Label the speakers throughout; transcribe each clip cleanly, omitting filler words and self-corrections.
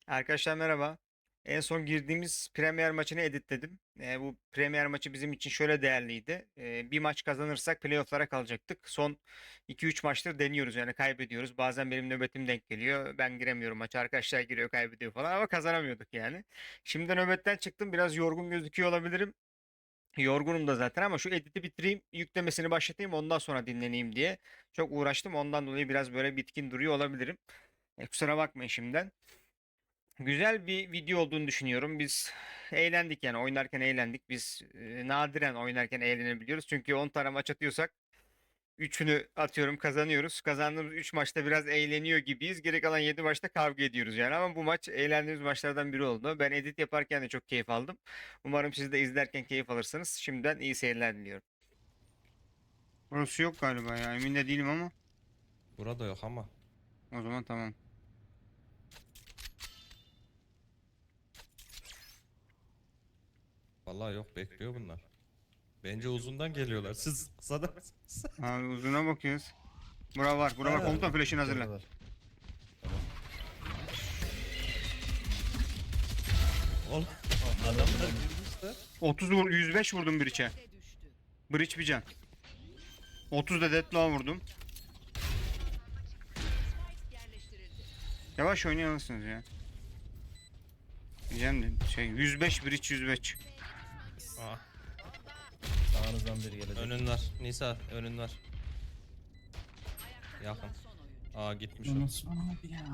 Speaker 1: Arkadaşlar merhaba. En son girdiğimiz Premier maçını editledim. Bu Premier maçı bizim için şöyle değerliydi. Bir maç kazanırsak playoff'lara kalacaktık. Son 2-3 maçtır deniyoruz yani kaybediyoruz. Bazen benim nöbetim denk geliyor. Ben giremiyorum maça. Arkadaşlar giriyor kaybediyor falan ama kazanamıyorduk yani. Şimdi nöbetten çıktım. Biraz yorgun gözüküyor olabilirim. Yorgunum da zaten ama şu editi bitireyim, yüklemesini başlatayım ondan sonra dinleneyim diye. Çok uğraştım. Ondan dolayı biraz böyle bitkin duruyor olabilirim. Kusura bakmayın şimdiden. Güzel bir video olduğunu düşünüyorum. Biz eğlendik yani oynarken eğlendik. Biz nadiren oynarken eğlenebiliyoruz. Çünkü 10 tane maç atıyorsak 3'ünü atıyorum kazanıyoruz. Kazandığımız 3 maçta biraz eğleniyor gibiyiz. Geri kalan 7 maçta kavga ediyoruz yani. Ama bu maç eğlendiğimiz maçlardan biri oldu. Ben edit yaparken de çok keyif aldım. Umarım siz de izlerken keyif alırsınız. Şimdiden iyi seyirler diliyorum. Burası yok galiba ya. Emin de değilim ama.
Speaker 2: Burada yok ama.
Speaker 1: O zaman tamam.
Speaker 2: Vallahi yok, bekliyor bunlar. Bence uzundan geliyorlar. Siz kısadan mısınız?
Speaker 1: Abi uzuna bakıyoruz. Bura var. Bura var.
Speaker 2: Aynen.
Speaker 1: Komutan flash'ını hazırla.
Speaker 3: Geldiler.
Speaker 2: 10 adamlar girmişler.
Speaker 1: 30 vur, 105 vurdum Breach'e. Breach bir can. 30 da Deadlock'a vurdum. Yavaş oynayamazsınız ya. Diyeceğim de 105 Breach 105.
Speaker 2: Aa,
Speaker 3: Sağınızdan biri gelecek.
Speaker 2: önün var. Nisa önün var. Yakın. Aa, gitmiş o.
Speaker 4: Nasıl abi ya?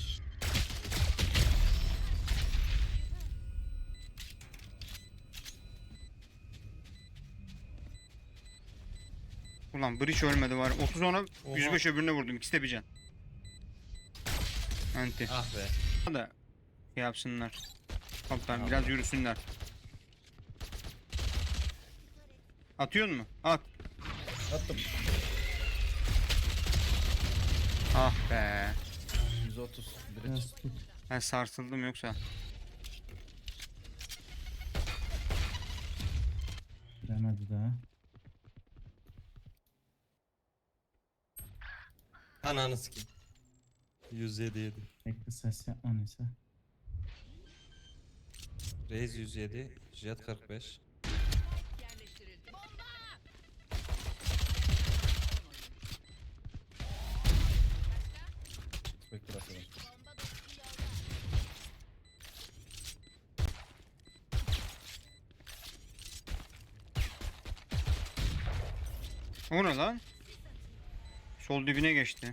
Speaker 1: Ulan Breach ölmedi var. 30 ona
Speaker 2: Oha.
Speaker 1: 105 öbürüne vurdum. İkisi de bir can. Anti.
Speaker 2: Ah be.
Speaker 1: Da şey yapsınlar. Komutan
Speaker 2: Tamam.
Speaker 1: biraz yürüsünler. Atıyor mu? At.
Speaker 3: Attım.
Speaker 1: Ah be.
Speaker 3: 130. Biri
Speaker 4: Biraz tut.
Speaker 1: Ben sarsıldım yoksa.
Speaker 4: Giremedi daha.
Speaker 2: Ananı sikeyim. 107 yedi.
Speaker 4: Bekle ses yapma neyse.
Speaker 2: Reis 107. Jet 45.
Speaker 3: bekle bakalım.
Speaker 1: O ne lan? Sol dibine geçti.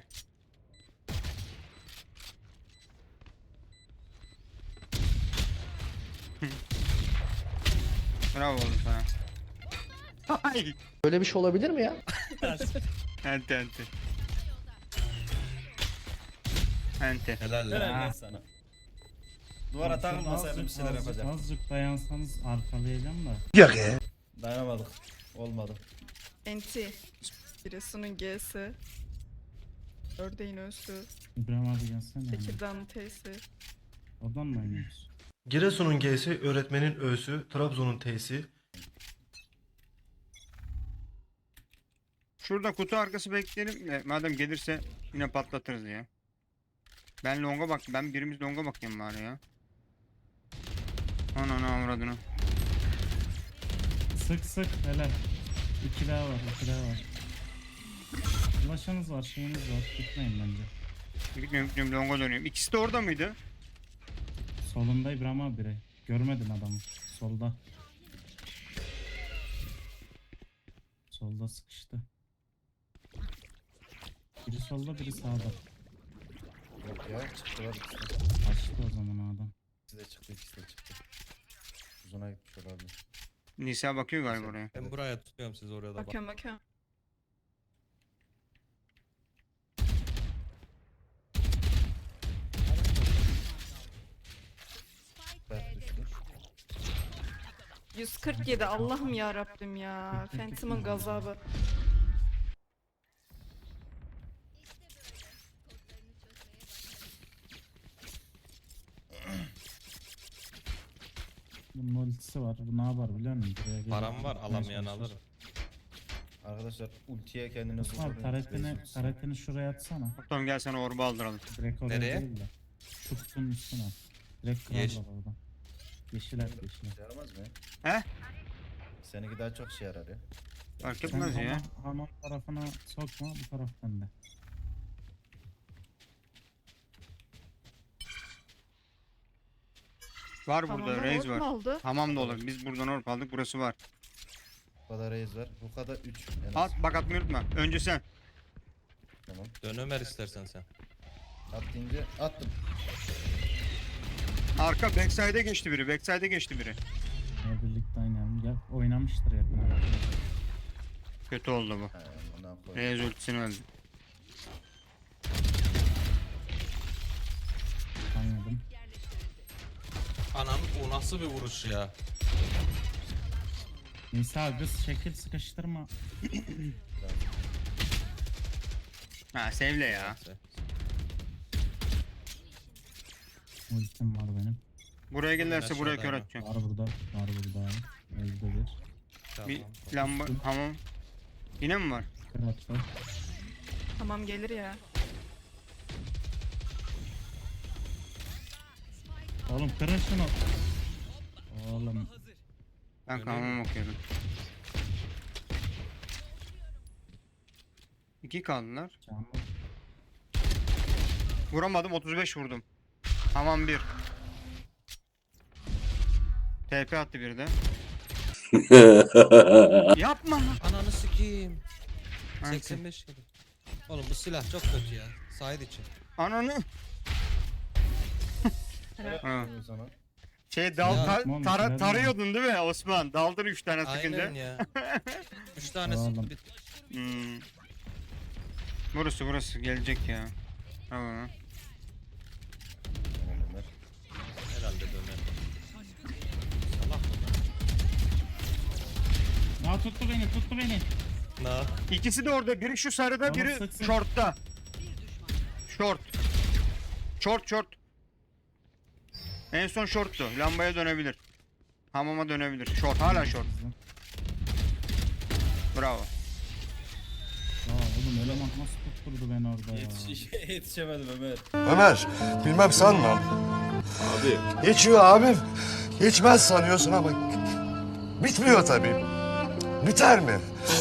Speaker 1: Bravo oğlum sana. Ay.
Speaker 5: Böyle bir şey olabilir mi ya?
Speaker 1: Ente ente. Ente.
Speaker 2: Helal lan.
Speaker 3: Helal lan sana. Duvara takılmasaydım bir şeyler yapacağım.
Speaker 4: Azıcık dayansanız arkalayacağım da.
Speaker 3: Dayanamadık. Olmadı.
Speaker 6: Enti. Giresun'un G'si. Ördeğin Ö'sü.
Speaker 4: İbrahim abi gelsene yani.
Speaker 6: Tekirdağ'ın T'si.
Speaker 4: Oradan mı oynuyoruz?
Speaker 7: Giresun'un G'si, öğretmenin Ö'sü, Trabzon'un T'si.
Speaker 1: Şurada kutu arkası bekleyelim de madem gelirse yine patlatırız ya. Ben longa bak, ben birimiz longa bakayım bari ya. Ananı avradını.
Speaker 4: Sık sık helal. 2 daha var, 2 daha var. Ulaşanız var, şeyiniz var. Gitmeyin bence.
Speaker 1: Gitmiyorum longa dönüyorum. İkisi de orada mıydı?
Speaker 4: Solunda İbrahim abi biri. Görmedin adamı. Solda. Solda sıkıştı. Biri solda, biri sağda.
Speaker 3: Yok ya çıktılar ikisi de.
Speaker 4: Açtı o zaman o adam.
Speaker 3: İkisi de çıktı, ikisi de çıktı. Uzuna gitmiş olabilir.
Speaker 1: Nisa bakıyor galiba oraya.
Speaker 2: Ben buraya tutuyorum, siz oraya da bak.
Speaker 6: Bakıyorum bakıyorum.
Speaker 3: Ben düştü.
Speaker 6: 147 Allah'ım ya Rabbim ya. Phantom'ın gazabı.
Speaker 4: Bunun multisi var. Bu ne yapar biliyor musun? Buraya gelip
Speaker 2: Param var,
Speaker 4: tutmaya
Speaker 2: alamayan
Speaker 4: çalışır.
Speaker 2: alırım.
Speaker 3: Arkadaşlar ultiye kendini
Speaker 4: Osman
Speaker 3: zorlayın.
Speaker 4: taretini şuraya atsana.
Speaker 1: Tamam gel sana orba aldıralım.
Speaker 4: Direkt oraya
Speaker 2: Nereye?
Speaker 4: değil de. Şu kutunun üstüne at. Direkt
Speaker 2: Yeş-
Speaker 4: kırarlar orada. Yeşiller yeşiller.
Speaker 3: Şey yaramaz mı ya?
Speaker 1: He?
Speaker 3: Seninki daha çok şey yarar ya.
Speaker 1: Fark
Speaker 4: Sen
Speaker 1: etmez ya.
Speaker 4: hamam tarafına sokma, bu taraf bende.
Speaker 1: Var burada
Speaker 6: Hamamdan
Speaker 1: Reis
Speaker 6: ork mu
Speaker 1: var.
Speaker 6: aldı?
Speaker 1: Hamam da olur. Biz buradan orp aldık. Burası var.
Speaker 3: Bu kadar reis var. Bu kadar 3.
Speaker 1: At bak atmayı unutma. Önce sen.
Speaker 3: Tamam.
Speaker 2: Dön Ömer istersen sen.
Speaker 3: At deyince attım.
Speaker 1: Arka backside'e geçti biri. Backside'e geçti biri.
Speaker 4: Ya birlikte oynayalım. Gel oynamıştır yakın arkadaşlar.
Speaker 1: Kötü oldu bu.
Speaker 3: He, ondan koy.
Speaker 1: Reis ultisini öldü.
Speaker 4: Anladım.
Speaker 2: Anam o nasıl bir vuruş ya?
Speaker 4: Nisa kız şekil sıkıştırma.
Speaker 1: Ha sevle ya.
Speaker 2: Neyse.
Speaker 4: Ultim var benim.
Speaker 1: Buraya gelirse buraya kör
Speaker 2: Aşağıda
Speaker 1: atacağım.
Speaker 4: Var burada. Var burada. Evde bir.
Speaker 2: Tamam.
Speaker 1: Bir lamba hamam. Yine mi var?
Speaker 4: Kır attı.
Speaker 6: Tamam gelir ya.
Speaker 4: Oğlum kırın şunu. Oğlum.
Speaker 1: Ben
Speaker 2: Öyle
Speaker 1: hamam okuyorum. 2 kaldılar.
Speaker 4: Canım.
Speaker 1: Vuramadım 35 vurdum. Hamam 1. TP attı bir de. Yapma.
Speaker 2: Ananı sikeyim.
Speaker 1: Anki.
Speaker 2: 85 kilo. Oğlum bu silah çok kötü ya. Side için.
Speaker 1: Ananı.
Speaker 6: Helal.
Speaker 1: Ha.
Speaker 3: O zaman.
Speaker 1: Şey dal
Speaker 2: Ya,
Speaker 4: tamam, bilerim.
Speaker 1: tarıyordun değil mi Osman? Daldın 3 tane sıkınca.
Speaker 2: Aynen ya. 3 tanesi
Speaker 4: Oğlum.
Speaker 2: bir-
Speaker 1: Hmm. Burası gelecek ya. Tamam.
Speaker 3: Tamam Ömer.
Speaker 2: herhalde döner. Salak mı?
Speaker 4: Aa tuttu beni.
Speaker 2: Na.
Speaker 1: İkisi de orada. Biri şu sarıda,
Speaker 4: Tamam,
Speaker 1: biri
Speaker 4: sıksın.
Speaker 1: shortta. Short. Short. En son shorttu. Lambaya dönebilir. Hamama dönebilir. Short. Hala short. Bravo.
Speaker 4: Ya oğlum eleman nasıl tutturdu beni orada ya.
Speaker 3: Yetişemedim Ömer.
Speaker 5: Ömer, bilmem sanma. Abi. Geçiyor abim. Geçmez sanıyorsun ama bitmiyor tabii. Biter mi?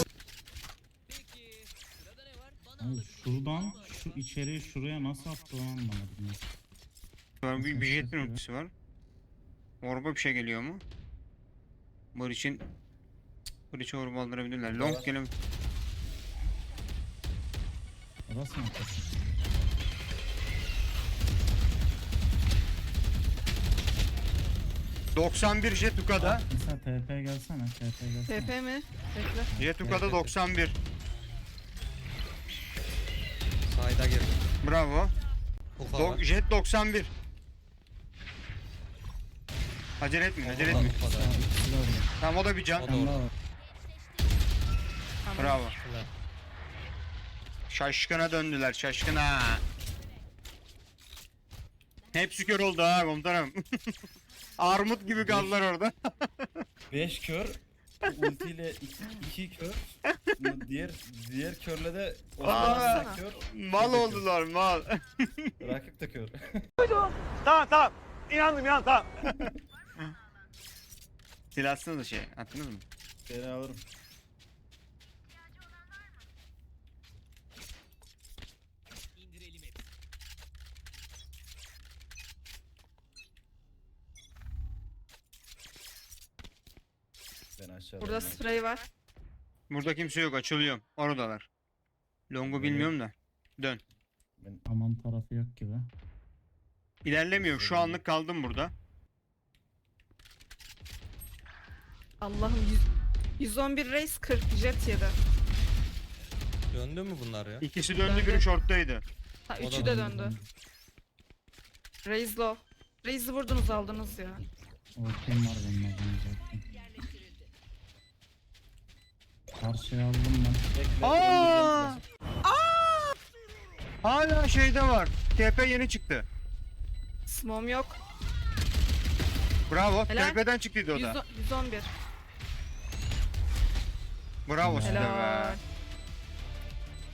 Speaker 4: Abi şuradan şu içeriye şuraya nasıl attı onu anlamadım ya.
Speaker 1: Sonra bir
Speaker 4: Nasıl
Speaker 1: jetin
Speaker 4: yapıyor?
Speaker 1: ultisi var. Orba bir şey geliyor mu? Breach'e orba aldırabilirler. Long gelin.
Speaker 4: Orası mı atlasın?
Speaker 1: ...91 Jetuka'da.
Speaker 4: Mesela TP gelsene.
Speaker 6: TP mi? Bekle.
Speaker 1: Jetuka'da 91.
Speaker 2: Side'a girdi.
Speaker 1: Bravo.
Speaker 2: Ufa var.
Speaker 1: Jet 91. Acele etmeyin.
Speaker 2: Ufa da-
Speaker 4: Aa,
Speaker 1: Tamam
Speaker 4: ikisi de orada.
Speaker 1: o da bir can.
Speaker 2: O da
Speaker 4: Sen
Speaker 2: orada.
Speaker 4: daha var.
Speaker 1: Bravo.
Speaker 2: Ulan.
Speaker 1: Şaşkına döndüler. Şaşkına. Hepsi kör oldu ha komutanım. Armut gibi kaldılar orada.
Speaker 3: 5 kör. Ultiyle 2 kör. Diğer körle de
Speaker 1: Aa.
Speaker 3: Osman da kör.
Speaker 1: Mal oldular mal.
Speaker 3: Rakip de kör.
Speaker 1: Tamam. İnandım tamam. Silahsınız da şey. Attınız mı?
Speaker 3: Seni alırım. Ben aşağıda.
Speaker 6: Burada sprey var.
Speaker 1: Burada kimse yok. Açılıyorum. Oradalar. Long'u bilmiyorum da. Dön.
Speaker 4: Aman tarafı yok gibi.
Speaker 1: İlerlemiyorum. Şu anlık kaldım burada.
Speaker 6: Allah'ım 111 race 40 jet yedi.
Speaker 2: Döndü mü bunlar ya?
Speaker 1: İkisi döndü.
Speaker 6: Döndü.
Speaker 1: Biri short'taydı.
Speaker 6: Ha
Speaker 2: O da
Speaker 6: üçü de döndü. Raise low. Raise'i vurdunuz aldınız ya.
Speaker 4: Ortayım var benim adamım zaten. Karşıya aldım ben.
Speaker 3: Bekle.
Speaker 1: Aa!
Speaker 3: öldüreceğim
Speaker 1: Hala şeyde var. TP yeni çıktı.
Speaker 6: Smom yok.
Speaker 1: Bravo.
Speaker 6: Helal.
Speaker 1: TP'den çıktıydı o da.
Speaker 6: 111.
Speaker 1: Bravo size be.
Speaker 6: Helal.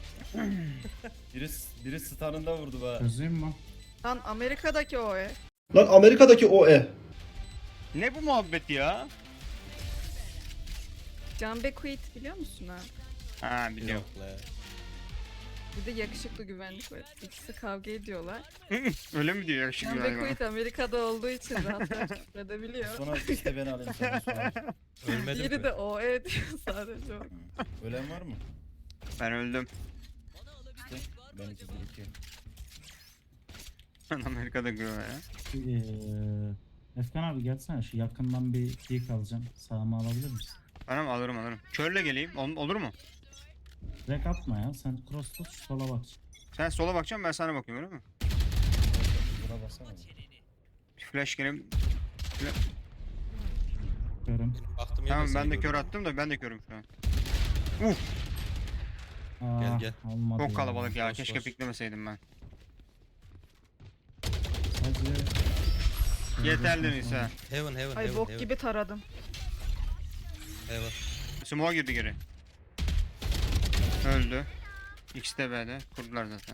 Speaker 3: Biri stun'ında vurdu be.
Speaker 4: Çözeyim mi?
Speaker 6: Lan Amerika'daki o.
Speaker 3: Lan Amerika'daki o
Speaker 1: Ne bu muhabbet ya?
Speaker 6: Can Bekuit biliyor musun ha?
Speaker 1: Ha biliyorum.
Speaker 2: Yok la.
Speaker 6: Bir de yakışıklı güvenlik var. İkisi kavga ediyorlar.
Speaker 1: Öyle mi diyor yakışıklı
Speaker 6: Can
Speaker 1: galiba?
Speaker 6: Bekuit Amerika'da olduğu için rahatlar edebiliyor.
Speaker 3: Sonra işte ben alayım sana sonra.
Speaker 2: Ölmedim
Speaker 6: Diğeri
Speaker 2: mi?
Speaker 6: de o diyor sadece o.
Speaker 3: Ölen var mı?
Speaker 1: Ben öldüm.
Speaker 3: İşte benimki bir iki.
Speaker 1: Ben Amerika'da görüyorum ya.
Speaker 4: Efkan abi gelsene şu yakından bir peek alacağım. Sağıma alabilir misin?
Speaker 1: Tamam alırım. Körle geleyim. Olur mu?
Speaker 4: Direkt atma ya. Sen cross tut şu sola bak.
Speaker 1: Sen sola bakacaksın ben sana bakıyorum öyle mi?
Speaker 3: Buna baksana.
Speaker 1: Flash geleyim.
Speaker 4: Görüm.
Speaker 2: Baktım yine
Speaker 1: Tamam
Speaker 2: seni
Speaker 1: ben de kör
Speaker 2: gördüm.
Speaker 1: attım da ben de körüm şu an.
Speaker 4: Aa,
Speaker 2: gel.
Speaker 4: Olmadı
Speaker 1: Çok kalabalık ya.
Speaker 2: Boş,
Speaker 1: Keşke
Speaker 2: boş.
Speaker 1: piklemeseydim ben.
Speaker 4: Sadece...
Speaker 1: Yeterli Nisa.
Speaker 2: Heaven.
Speaker 6: Ay bok gibi taradım.
Speaker 2: Heaven.
Speaker 1: Smoke'a girdi geri. Öldü. X de B'de. Kurdular zaten.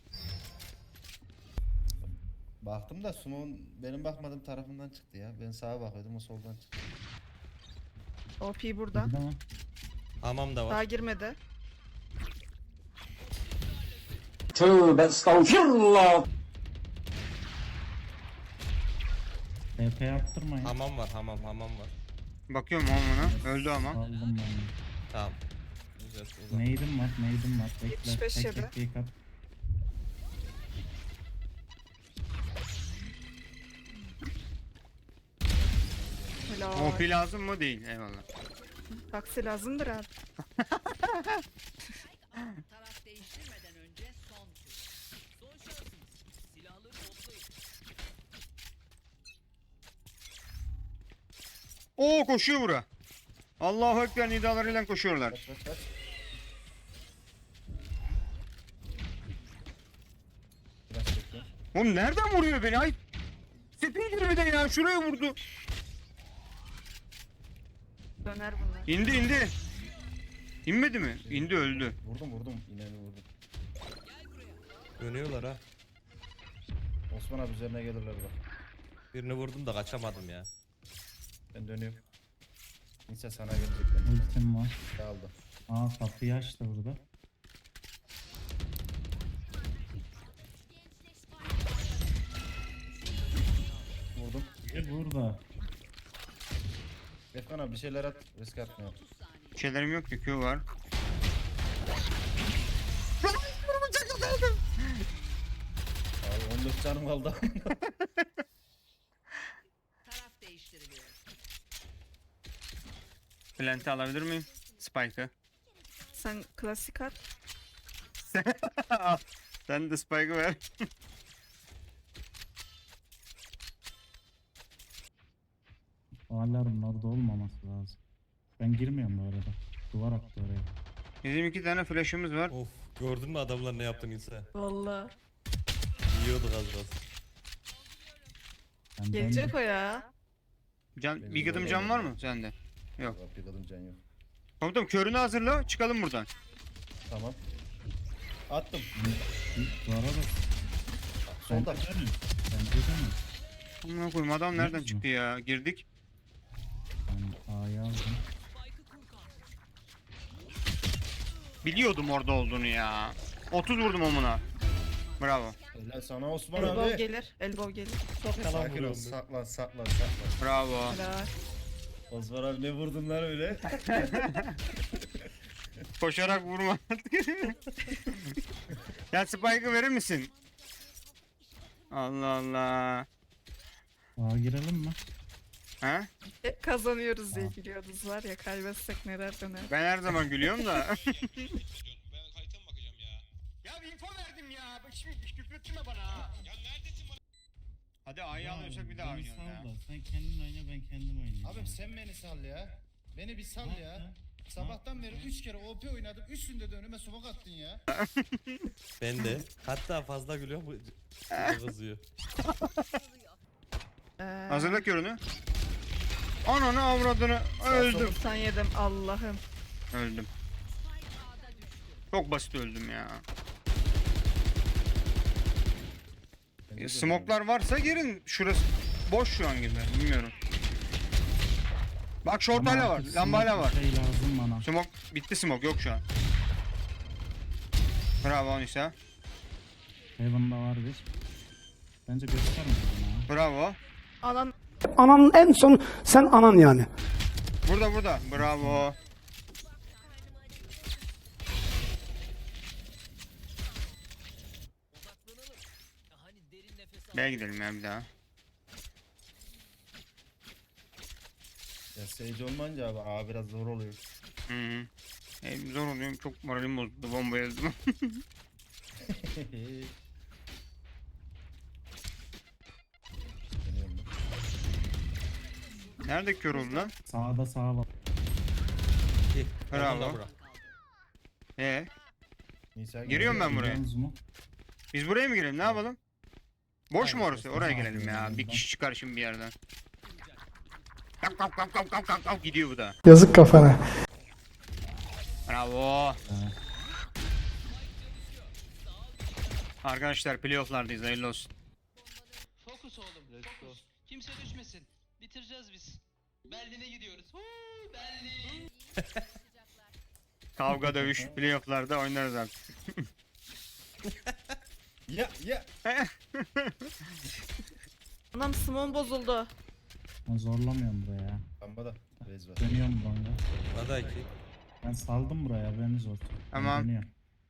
Speaker 3: Baktım da Sumo'nun benim bakmadığım tarafından çıktı ya. Ben sağa bakıyordum o soldan çıktı.
Speaker 6: OP burada.
Speaker 4: Tamam.
Speaker 2: Hamam da var.
Speaker 6: Daha girmedi.
Speaker 4: TP yaptırmayın.
Speaker 2: Hamam var. Hamam var.
Speaker 1: Bakıyorum ona. Öldü ama.
Speaker 4: Aldım ben.
Speaker 2: Tamam. Güzel. Uzak.
Speaker 4: Neydim var. Bekle.
Speaker 6: 75
Speaker 4: Tek
Speaker 6: yedi.
Speaker 4: tek peek at.
Speaker 6: Helal.
Speaker 1: OP lazım mı? Değil. Eyvallah.
Speaker 6: Taksi lazımdır abi.
Speaker 8: Taraf değiştirmeden önce son tur. Son şansınız. Silahları toplayın.
Speaker 1: Oo koşuyor bura. Allahu Ekber nidalarıyla koşuyorlar.
Speaker 3: Kaç. Biraz bekle.
Speaker 1: Oğlum nereden vuruyor beni? Ay. Sepin girmeden ya. Şuraya vurdu.
Speaker 6: Döner bunlar.
Speaker 1: İndi. İnmedi mi? İndi öldü.
Speaker 3: Vurdum. İneni vurdum.
Speaker 2: Dönüyorlar ha.
Speaker 3: Osman abi üzerine gelirler bak.
Speaker 2: Birini vurdum da kaçamadım ya.
Speaker 3: Ben dönüyorum. Neyse sana gelecekler.
Speaker 4: Ultim var.
Speaker 3: Kaldı.
Speaker 4: Aa kapıyı açtı burada.
Speaker 3: Vurdum.
Speaker 4: Burada.
Speaker 3: Efkan abi bir şeyler at. Risk atmıyor.
Speaker 1: Bir şeylerim yok ki. Q var.
Speaker 3: Abi 14 canım kaldı.
Speaker 8: Taraf değiştiriliyor.
Speaker 1: Plant'i alabilir miyim? Spike'ı.
Speaker 6: Sen klasik at.
Speaker 1: Sen de Spike'ı ver.
Speaker 4: Alarm orada olmaması lazım. Ben girmiyorum bu arada. Duvar attı oraya.
Speaker 1: Bizim 2 tane flash'ımız var.
Speaker 2: Of. Gördün mü adamlar ne yaptığını İsa?
Speaker 6: Valla.
Speaker 2: Yiyorduk az biraz.
Speaker 4: Ben
Speaker 6: Gelecek o ya.
Speaker 1: Can, bir gıdım can var mı sende? Yok.
Speaker 3: Yok bir kadın can yok.
Speaker 1: Komutanım körünü hazırla. Çıkalım buradan.
Speaker 3: Tamam. Attım.
Speaker 4: Duvara bak.
Speaker 3: Solda.
Speaker 4: Bence de mi? Bence de mi?
Speaker 1: Amına koyayım adam nereden
Speaker 4: Biliyor musun?
Speaker 1: çıktı ya? Girdik.
Speaker 4: Ben A'yı aldım.
Speaker 1: Biliyordum orada olduğunu ya. 30 vurdum omuna. Bravo.
Speaker 3: Helal sana Osman
Speaker 6: Elbow
Speaker 3: abi.
Speaker 6: gelir. Elbow gelir.
Speaker 3: Sakin ol. Saklan.
Speaker 1: Bravo.
Speaker 6: Helal.
Speaker 3: Osman abi ne vurdun lan öyle?
Speaker 1: Koşarak vurma. Ya Spike'ı verir misin? Allah Allah.
Speaker 4: A'ya girelim mi?
Speaker 1: Ha?
Speaker 6: Hep kazanıyoruz diye gülüyordunuz var ya kaybetsek neler döner.
Speaker 1: Ben her zaman gülüyorum da.
Speaker 9: Ben haritama bakacağım ya.
Speaker 1: Ya bir info verdim ya. Bak şimdi küfretme bana ha.
Speaker 9: Ya neredesin bana?
Speaker 1: Hadi A'yı alıyorsak bir daha
Speaker 4: Beni
Speaker 1: oynayalım ya.
Speaker 4: sal da, sen kendin oyna ben kendim oynayayım.
Speaker 3: Abi sen beni sal ya. Beni bir sal ya. Sabahtan beri 3 kere OP oynadım. Üstünde de önüme smoke attın ya.
Speaker 2: Ben de. Hatta fazla gülüyor bu kızıyor.
Speaker 1: Hazırla körünü. Ananı avradını öldüm.
Speaker 6: 97 Allah'ım.
Speaker 1: Öldüm. Çok basit öldüm ya. Smoklar varsa girin. Şurası boş şu an gibi. Bilmiyorum. Bak short
Speaker 4: Ama
Speaker 1: hala var.
Speaker 4: artık
Speaker 1: Lamba hala
Speaker 4: smoke
Speaker 1: var.
Speaker 4: Şey lazım bana.
Speaker 1: Smoke bitti, smoke yok şu an. Bravo Nisa.
Speaker 4: Heaven'da var bir. Bence gösterme bana.
Speaker 1: Bravo.
Speaker 6: Anan
Speaker 10: Ananın en son sen anan yani.
Speaker 1: Burada. Bravo.
Speaker 8: Hani derin nefes al.
Speaker 1: B'ye gidelim ya bir daha.
Speaker 3: Ya Sage olmayınca abi biraz zor oluyor.
Speaker 1: Hı -hı. Zor oluyor. Çok moralim bozuldu. Bomba yazdım.
Speaker 3: Deniyorum ben.
Speaker 1: Nerede kör oldu lan?
Speaker 4: Sağda sağa bak.
Speaker 2: İyi.
Speaker 1: Bravo.
Speaker 2: Oradan da bırak.
Speaker 3: Nisa
Speaker 1: Giriyorum ben buraya.
Speaker 4: Biliyorsunuz mu?
Speaker 1: Biz buraya mı girelim? Ne yapalım? Boş mu
Speaker 3: Aynen,
Speaker 1: orası? Oraya girelim ya. Bir kişi çıkar şimdi bir yerden. Kalk gidiyor bu da.
Speaker 10: Yazık kafana.
Speaker 1: Bravo. Arkadaşlar playoff'lardayız. Hayırlı olsun.
Speaker 9: Fokus oğlum. Fokus. Kimse düşmesin. Bitireceğiz biz. Berlin'e gidiyoruz. Berlin.
Speaker 1: Kavga dövüş playoff'larda oynarız artık.
Speaker 3: Ya.
Speaker 6: anam smoke bozuldu.
Speaker 4: Ben zorlamıyorum buraya.
Speaker 3: Lamba da. Rez var.
Speaker 4: Dönüyorum longa.
Speaker 2: Bana iki.
Speaker 4: Ben saldım buraya, haberiniz olsun. Ben
Speaker 1: Tamam.
Speaker 4: dönüyorum.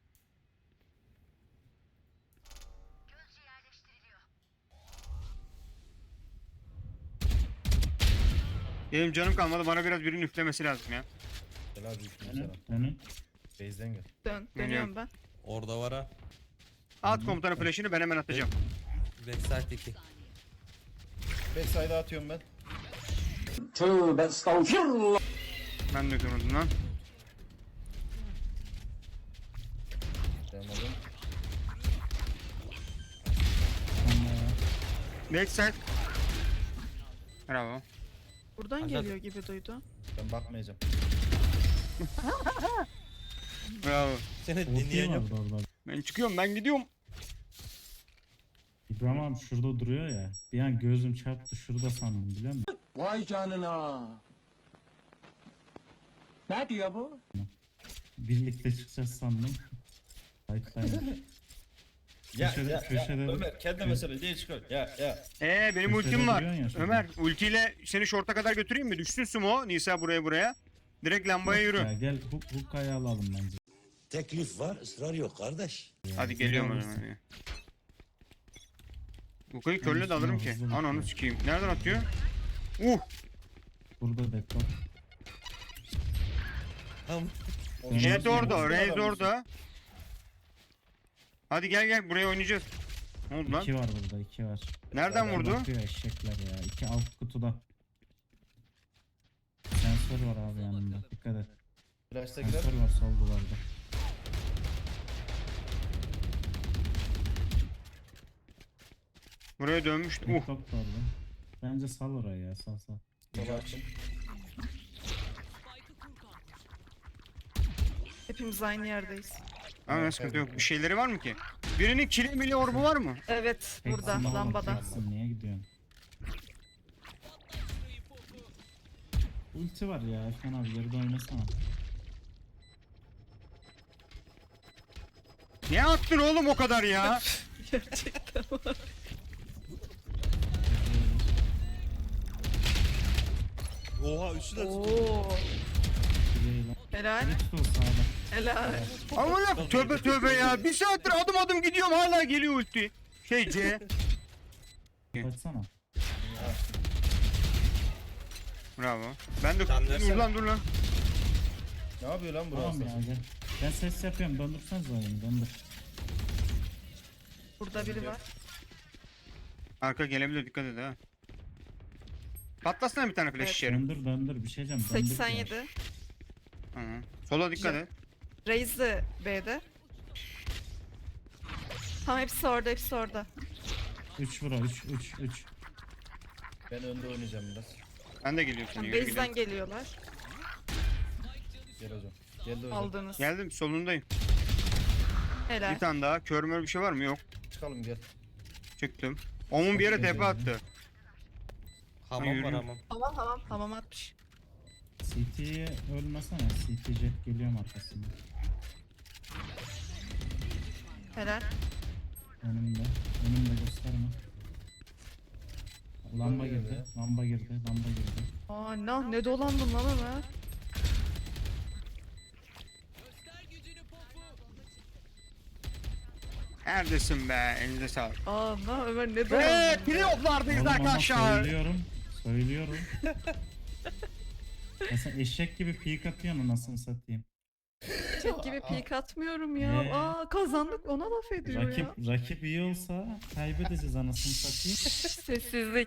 Speaker 1: Benim canım kalmadı. Bana biraz birinin üflemesi lazım ya.
Speaker 3: Gel abi üstüne
Speaker 4: Dönün.
Speaker 3: sana.
Speaker 4: Dönün.
Speaker 3: Base'den gel.
Speaker 6: Dönüyorum ben.
Speaker 2: Orada var ha.
Speaker 1: At komutanın flash'ını, ben hemen atacağım.
Speaker 2: Backside 2.
Speaker 3: Backside'a atıyorum ben.
Speaker 1: Ben de kırmadım lan.
Speaker 3: Yapamadım.
Speaker 1: Backside. Bravo.
Speaker 6: Buradan
Speaker 2: Aşağı-
Speaker 6: geliyor gibi duydum.
Speaker 3: Ben bakmayacağım.
Speaker 1: Bravo.
Speaker 2: Seni
Speaker 4: Ulti
Speaker 2: dinleyeceğim.
Speaker 4: vardı orada.
Speaker 1: Ben çıkıyorum, ben gidiyorum.
Speaker 4: İbrahim abi şurada duruyor ya. Bir an gözüm çarptı, şurada sandım biliyor musun?
Speaker 10: Vay canına. Ne diyor bu?
Speaker 4: Birlikte çıkacağız sandım. Kayıttayım. Köşede
Speaker 3: Ömer kendi mesele değil çıkar. Ya.
Speaker 1: Benim
Speaker 4: Köşede
Speaker 1: ultim var.
Speaker 4: duruyorsun ya şurada.
Speaker 1: Ömer, ultiyle seni short'a kadar götüreyim mi? Düşsün sumo. Nisa buraya. Direkt lambaya yürü.
Speaker 4: Ya gel Hukka'yı alalım bence.
Speaker 5: Teklif var, ısrar yok kardeş.
Speaker 1: Hadi geliyorum o
Speaker 4: alırsın.
Speaker 1: zaman. Bu kayı körle de alırım ki.
Speaker 4: Hızlı
Speaker 1: Ananı
Speaker 4: bakıyor.
Speaker 1: sikeyim. Nereden atıyor?
Speaker 4: Burada deadlock.
Speaker 2: Tamam.
Speaker 1: Jet orada,
Speaker 3: Orada
Speaker 1: Raze
Speaker 3: adam
Speaker 1: orada. Hadi gel buraya oynayacağız. Ne oldu lan?
Speaker 4: 2 var burada, 2 var.
Speaker 1: Nereden vurdu?
Speaker 4: Bakıyor eşekler ya. 2 alt kutuda. Sensör var abi yanında. Dikkat et.
Speaker 3: Flash'takiler.
Speaker 4: Sensör var sol duvarda.
Speaker 1: Buraya dönmüştü.
Speaker 4: Deadlock da orada. Bence sal orayı ya, sal.
Speaker 3: Sola açtım.
Speaker 6: Hepimiz aynı yerdeyiz.
Speaker 1: Ama ne sıkıntı yok. Bir şeyleri var mı ki? Birinin kili mili orbu var mı?
Speaker 6: Evet, burada
Speaker 4: Teksin oğlum,
Speaker 6: lambada.
Speaker 4: teksin. Niye gidiyorsun? Ulti var ya Efkan abi, geride oynasana.
Speaker 1: Niye attın oğlum o kadar ya?
Speaker 6: Gerçekten var.
Speaker 2: Oha üçü de
Speaker 6: Oo.
Speaker 4: Şurayı lan.
Speaker 6: Helal.
Speaker 4: Tut o sağda.
Speaker 6: Helal.
Speaker 1: Aman tövbe ya. Bir saattir adım gidiyorum, hala geliyor ulti. C.
Speaker 4: Kaçsana.
Speaker 1: Bravo. Ben de
Speaker 2: Sen versene.
Speaker 1: dur lan.
Speaker 3: Ne yapıyor lan
Speaker 4: Tamam
Speaker 3: burası?
Speaker 4: ya gel. Ben ses yapıyorum, döndürseniz oyunu, döndür.
Speaker 6: Burada biri var.
Speaker 1: Arka gelebilir, dikkat et ha. Patlasana bir tane flash
Speaker 6: Evet.
Speaker 1: içeri.
Speaker 4: Döndür bir şey diyeceğim. döndür
Speaker 6: 87.
Speaker 4: ya.
Speaker 1: Hı. Sola dikkat et.
Speaker 6: Raze de B'de. Tamam hepsi orada.
Speaker 4: 3 vura 3.
Speaker 3: Ben önde oynayacağım biraz.
Speaker 1: Ben de geliyorum seni. Yürü
Speaker 6: Base'den
Speaker 1: gidelim.
Speaker 6: geliyorlar.
Speaker 3: Gel hocam. Geldi hocam.
Speaker 6: Aldınız.
Speaker 1: Geldim, solundayım.
Speaker 6: Helal.
Speaker 1: Bir tane daha. Kör mör bir şey var mı? Yok.
Speaker 3: Çıkalım gel.
Speaker 1: Çıktım. Omun bir yere tepe attı.
Speaker 2: Hamam var
Speaker 1: yürüyün.
Speaker 2: hamam.
Speaker 6: Tamam atmış.
Speaker 4: CT'ye ölmesene. CT jet geliyorum arkasında.
Speaker 6: Helal.
Speaker 4: Önümde. Önümde gösterme. Lamba girdi. Lamba girdi. Lamba girdi.
Speaker 6: Aa ne dolandın lan Ömer.
Speaker 1: Neredesin be? Elinize sağlık.
Speaker 6: Aa Ömer ne
Speaker 1: Ve
Speaker 6: dolandın?
Speaker 1: playoff'lardayız
Speaker 4: Oğlum ama
Speaker 1: arkadaşlar.
Speaker 4: söylüyorum. Ya sen eşek gibi peek atıyorsun anasını satayım.
Speaker 6: Çek gibi peek atmıyorum ya.
Speaker 4: Ee?
Speaker 6: Aa kazandık ona laf ediyor ya.
Speaker 4: Rakip iyi olsa kaybedeceğiz anasını satayım.
Speaker 6: Sessizlik.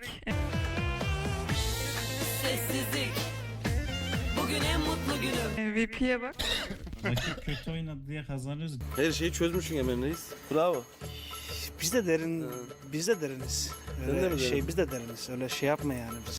Speaker 8: Sessizlik. Bugün en mutlu günüm.
Speaker 6: MVP'ye bak.
Speaker 4: Rakip kötü oynadı diye kazanıyoruz.
Speaker 11: Her şeyi çözmüşsün Emre Reis. Bravo.
Speaker 10: Biz de deriniz.
Speaker 11: Sen de mi derin?
Speaker 10: Biz de deriniz. Öyle şey yapma yani.